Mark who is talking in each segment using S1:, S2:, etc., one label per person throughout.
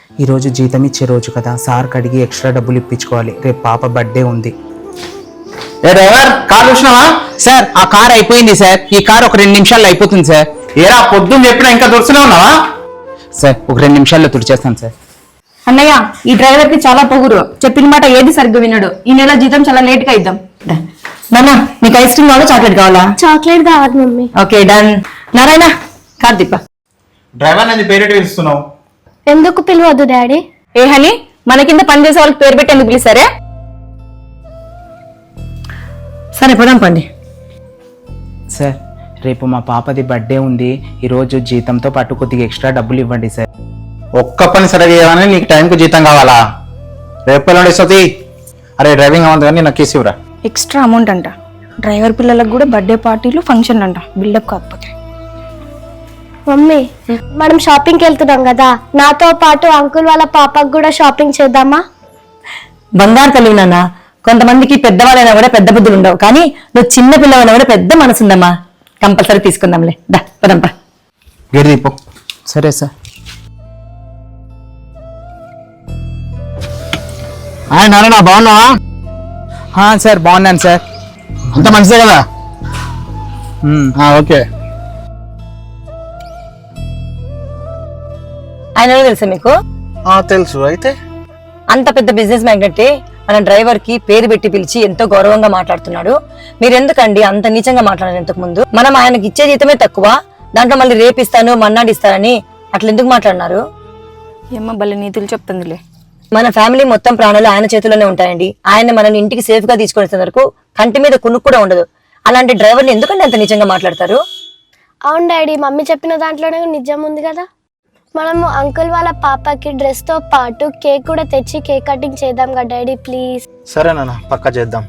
S1: ఈరోజు జీతం ఇచ్చే రోజు కదా, సార్కి అడిగి ఎక్స్ట్రా డబ్బులు ఇప్పించుకోవాలి. రేపు పాప బర్త్డే ఉంది.
S2: ఏ డ్రైవర్, కార్ చూసినావా?
S1: సార్ ఆ కార్ అయిపోయింది సార్. ఈ కార్ ఒక 2 నిమిషాల్లో అయిపోతుంది సార్.
S2: ఏరా పొద్దున్న చెప్పినా ఇంకా దొరుకుతూనే ఉన్నావా?
S1: సార్ ఒక 2 నిమిషాల్లో తుడిచేస్తాను సార్.
S3: అన్నయ్య, ఈ డ్రైవర్ కి చాలా పొగురు. చెప్పిన మాట ఏది సరిగ్గా వినడు. ఈ నెల జీతం చాలా లేట్ గా ఇద్దాం. నాన్న, నీకు ఐస్ క్రీమ్ కావాలా, చాక్లెట్ కావాలా?
S4: చాక్లెట్ కావాలి మమ్మీ.
S3: Okay done. నారాయణ, కార్దీప.
S2: డ్రైవర్ అనేది పేరెట్ పిలుస్తున్నావు?
S4: ఎందుకు పిలవద్దు డాడీ?
S3: ఏ హని, మన కింద పనిచేసే వాళ్ళకి పేరు పెట్టి ఎందుకు పిలిచారే? సరే పోదాం పండి.
S1: సార్ రేపు మా పాపది బర్త్డే ఉంది. ఈరోజు జీతంతో పాటు కొద్దిగా ఎక్స్ట్రా డబ్బులు ఇవ్వండి సార్.
S2: ఒక్క పని సరిగా చేయమని నీకు టైంకు జీతం కావాలా? రేపు ఎల్లుండి ఇస్తుంది. అరే డ్రైవింగ్ అవ్వదు కానీ నాకు కేసు ఇవ్వరా.
S5: ఎక్స్ట్రా అమౌంట్ అంట. డ్రైవర్ పిల్లలకు కూడా బర్త్డే పార్టీలు ఫంక్షన్ అంట. బిల్డప్ కాకపోతే.
S4: మమ్మీ, మనం షాపింగ్కి వెళ్తున్నాం కదా, నాతో పాటు అంకుల్ వాళ్ళ పాపకు కూడా షాపింగ్ చేద్దామా?
S3: బంగారు తల్లి నాన్న. కొంతమందికి పెద్దవాళ్ళైనా కూడా పెద్ద బుద్ధులు ఉండవు, కానీ నువ్వు చిన్న పిల్లవైనా కూడా పెద్ద మనసు ఉందమ్మా. కంపల్సరీ తీసుకుందాంలే. దా పదంపా.
S2: గేట్ దీపో.
S1: సరే సార్.
S2: నారాయణ, బాగున్నావా?
S1: సార్ బాగున్నాను సార్.
S2: అంత మంచిదే కదా? ఓకే.
S3: ఆయన తెలుసా మీకు?
S2: తెలుసు. అయితే
S3: అంత పెద్ద బిజినెస్ మ్యాగ్నెట్ మన డ్రైవర్ కి పేరు పెట్టి పిలిచి ఎంతో గౌరవంగా మాట్లాడుతున్నాడు. మీరెందుకండి అంత నీచంగా మాట్లాడారు? ఇంతకు ముందు మనం ఆయనకి ఇచ్చే జీతమే తక్కువ, దాంట్లో మళ్ళీ రేపిస్తాను మన్నాడిస్తానని అట్లా ఎందుకు మాట్లాడినారు?
S5: ఏమో భలే నీతులు చెప్తుందిలే.
S3: మన ఫ్యామిలీ మొత్తం ప్రాణాలు ఆయన చేతుల్లోనే ఉంటాయండి. ఆయన మనల్ని ఇంటికి సేఫ్ గా తీసుకొచ్చే వరకు కంటి మీద కునుకు కూడా ఉండదు. అలాంటి డ్రైవర్ని ఎందుకంటే అంత నిజంగా మాట్లాడతారు?
S4: అవును డాడీ, మమ్మీ చెప్పిన దాంట్లోనే నిజం ఉంది కదా. మనము అంకుల్ వాళ్ళ పాపకి డ్రెస్ తో పాటు కేక్ కూడా తెచ్చి కేక్ కటింగ్ చేద్దాం కదా డాడీ, ప్లీజ్.
S2: సరే నాన్న, పక్కా చేద్దాం.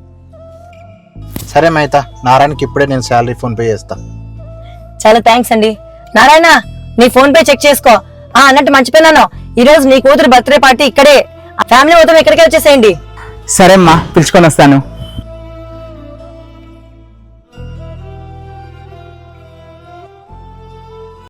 S2: సరే మైతా, నారాయణకి ఇప్పుడే నేను శాలరీ ఫోన్ పే చేస్తా.
S3: చాలా థ్యాంక్స్ అండి. నారాయణ, నీ ఫోన్ పే చెక్ చేసుకో. అన్నట్టు మర్చిపోయినాను, ఈ రోజు నీ కూతురు బర్త్డే పార్టీ ఇక్కడే. ఫ్యామిలీ మొత్తం ఇక్కడికే వచ్చేసేయండి.
S1: సరే అమ్మా, పిలుచుకొని వస్తాను.